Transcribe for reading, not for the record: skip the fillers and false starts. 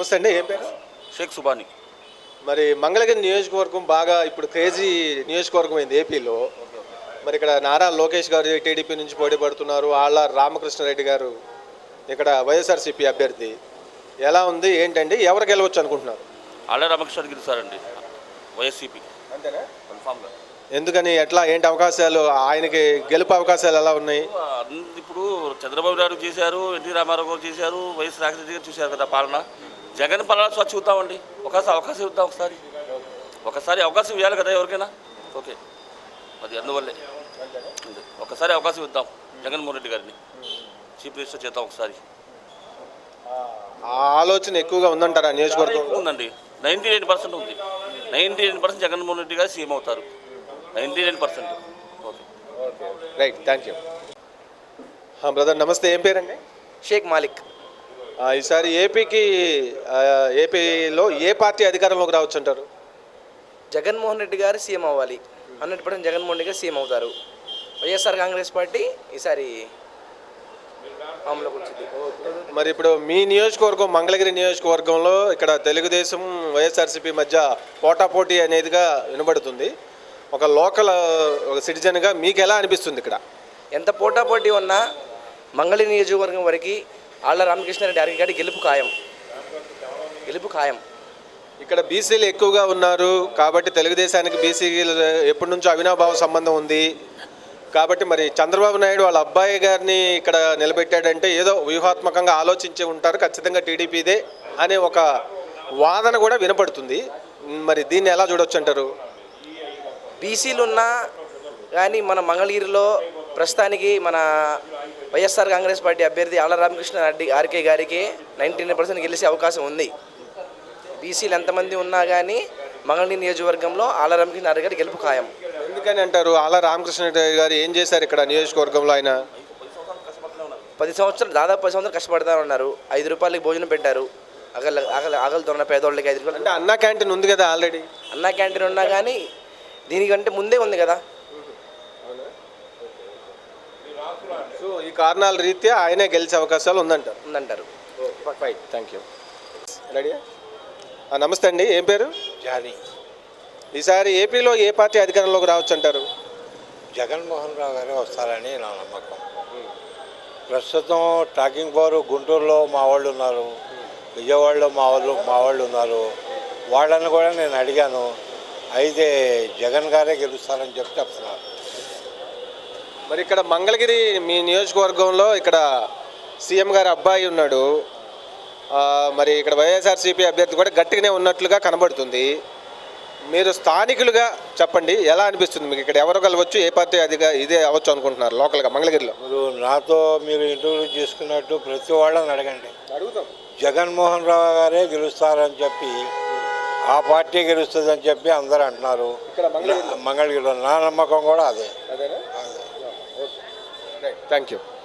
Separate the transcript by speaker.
Speaker 1: నమస్తే అండి, ఏం పేరు?
Speaker 2: షేక్ సుబాని.
Speaker 1: మరి మంగళగిరి నియోజకవర్గం బాగా ఇప్పుడు క్రేజీ నియోజకవర్గం అయింది ఏపీలో. మరి ఇక్కడ నారా లోకేష్ గారు టీడీపీ నుంచి పోటీ పడుతున్నారు, ఆళ్ళ రామకృష్ణారెడ్డి గారు ఇక్కడ వైఎస్ఆర్సీపీ అభ్యర్థి. ఎలా ఉంది ఏంటండి, ఎవరు గెలవచ్చు అనుకుంటున్నారు?
Speaker 2: ఆళ్ళ రామకృష్ణ గెలుస్తారండి వైఎస్సీపీ.
Speaker 1: అంతేనా?
Speaker 2: కన్ఫామ్గా.
Speaker 1: ఎందుకని, ఎట్లా, ఏంటి అవకాశాలు, ఆయనకి గెలుపు అవకాశాలు ఎలా ఉన్నాయి?
Speaker 2: ఇప్పుడు చంద్రబాబు నాయుడు చేశారు, ఎన్టీ రామారావు గారు చేశారు, వైఎస్ రాజశేఖర గారు చూశారు కదా పాలన. జగన్ పాలన స్వచ్ఛ చూద్దామండి, ఒకసారి అవకాశం ఇద్దాం. ఒకసారి అవకాశం ఇవ్వాలి కదా ఎవరికైనా. ఓకే, అది అందువల్లే ఒకసారి అవకాశం ఇద్దాం జగన్మోహన్ రెడ్డి గారిని చీఫ్ మినిస్టర్ చేద్దాం ఒకసారి.
Speaker 1: ఆ ఆలోచన ఎక్కువగా ఉందంటారా నియోజకవర్గం?
Speaker 2: ఉందండి, 99% ఉంది. 99% జగన్మోహన్ రెడ్డి గారు సీఎం అవుతారు, 99%. Okay,
Speaker 1: right, thank you. Brother నమస్తే, ఏం పేరండి?
Speaker 3: షేక్ మాలిక్.
Speaker 1: ఈసారి ఏపీలో ఏ పార్టీ అధికారంలోకి రావచ్చు అంటారు?
Speaker 3: జగన్మోహన్ రెడ్డి గారు సీఎం అవ్వాలి, 100% జగన్మోహన్ రెడ్డి గారు సీఎం అవుతారు. వైఎస్ఆర్ కాంగ్రెస్ పార్టీ ఈసారి అమలులోకి వచ్చింది.
Speaker 1: మరి ఇప్పుడు మీ నియోజకవర్గం మంగళగిరి నియోజకవర్గంలో ఇక్కడ తెలుగుదేశం వైఎస్ఆర్సీపీ మధ్య పోటాపోటీ అనేదిగా వినబడుతుంది. ఒక లోకల్ సిటిజన్గా మీకు ఎలా అనిపిస్తుంది ఇక్కడ?
Speaker 3: ఎంత పోటాపోటీ ఉన్నా మంగళగిరి నియోజకవర్గం వరకు ఆళ్ళ రామకృష్ణారెడ్డి గారి గెలుపు ఖాయం.
Speaker 1: ఇక్కడ బీసీలు ఎక్కువగా ఉన్నారు కాబట్టి తెలుగుదేశానికి బీసీలు ఎప్పటి నుంచో అవినాభావ సంబంధం ఉంది కాబట్టి మరి చంద్రబాబు నాయుడు వాళ్ళ అబ్బాయి గారిని ఇక్కడ నిలబెట్టాడంటే ఏదో వ్యూహాత్మకంగా ఆలోచించి ఉంటారు, ఖచ్చితంగా టీడీపీదే అనే ఒక వాదన కూడా వినపడుతుంది. మరి దీన్ని ఎలా చూడవచ్చు అంటారు?
Speaker 3: బీసీలు ఉన్నా కానీ మన మంగళగిరిలో ప్రస్తుతానికి మన వైఎస్ఆర్ కాంగ్రెస్ పార్టీ అభ్యర్థి ఆళ్ళ రామకృష్ణారెడ్డి గారికి 99% గెలిచే అవకాశం ఉంది. బీసీలు ఎంతమంది ఉన్నా కానీ మంగళగిరి నియోజకవర్గంలో ఆళ్ళ రామకృష్ణారెడ్డి గారి గెలుపు ఖాయం.
Speaker 1: ఎందుకని అంటారు? ఆళ్ళ రామకృష్ణారెడ్డి గారు ఏం చేశారు ఇక్కడ నియోజకవర్గంలో? ఆయన
Speaker 3: 10 సంవత్సరాలు, దాదాపు 10 సంవత్సరాలు కష్టపడతా ఉన్నారు. 5 రూపాయలకి భోజనం పెట్టారు ఆకలితో ఉన్న పేదోళ్ళకి. 5 రూపాయలు
Speaker 1: అంటే అన్నా క్యాంటీన్ ఉంది కదా ఆల్రెడీ.
Speaker 3: అన్నా క్యాంటీన్ ఉన్నా కానీ దీనికంటే ముందే ఉంది కదా.
Speaker 1: సో ఈ కారణాల రీత్యా ఆయనే గెలిచే అవకాశాలు
Speaker 3: ఉందంటారు.
Speaker 1: Fight, thank you. రెడీయా? నమస్తే అండి, ఏం పేరు?
Speaker 4: జానీ.
Speaker 1: ఈసారి ఏపీలో ఏ పార్టీ అధికారంలోకి రావచ్చు అంటారు?
Speaker 4: జగన్మోహన్ రావు గారే వస్తారని నా నమ్మకం. ప్రస్తుతం టాకింగ్ పవర్ గుంటూరులో మా వాళ్ళు ఉన్నారు, విజయవాడలో మా వాళ్ళు ఉన్నారు. వాళ్ళని కూడా నేను అడిగాను, అయితే జగన్ గారే గెలుస్తారని చెప్తున్నారు.
Speaker 1: మరి ఇక్కడ మంగళగిరి మీ నియోజకవర్గంలో ఇక్కడ సీఎం గారి అబ్బాయి ఉన్నాడు, మరి ఇక్కడ వైఎస్ఆర్సీపీ అభ్యర్థి కూడా గట్టిగానే ఉన్నట్లుగా కనబడుతుంది. మీరు స్థానికులుగా చెప్పండి, ఎలా అనిపిస్తుంది మీకు? ఇక్కడ ఎవరు కలవచ్చు, ఏ పార్టీ ఇదే అవ్వచ్చు అనుకుంటున్నారు లోకల్గా మంగళగిరిలో?
Speaker 4: మీరు ఇంటర్వ్యూ చేసుకున్నట్టు ప్రతి వాళ్ళని అడగండి.
Speaker 1: అడుగుతాం.
Speaker 4: జగన్మోహన్ రావు గారే గెలుస్తారని చెప్పి, ఆ పార్టీ గెలుస్తుందని చెప్పి అందరూ అంటున్నారు. మంగళగిరిలో నా నమ్మకం కూడా అదే.
Speaker 1: Thank you.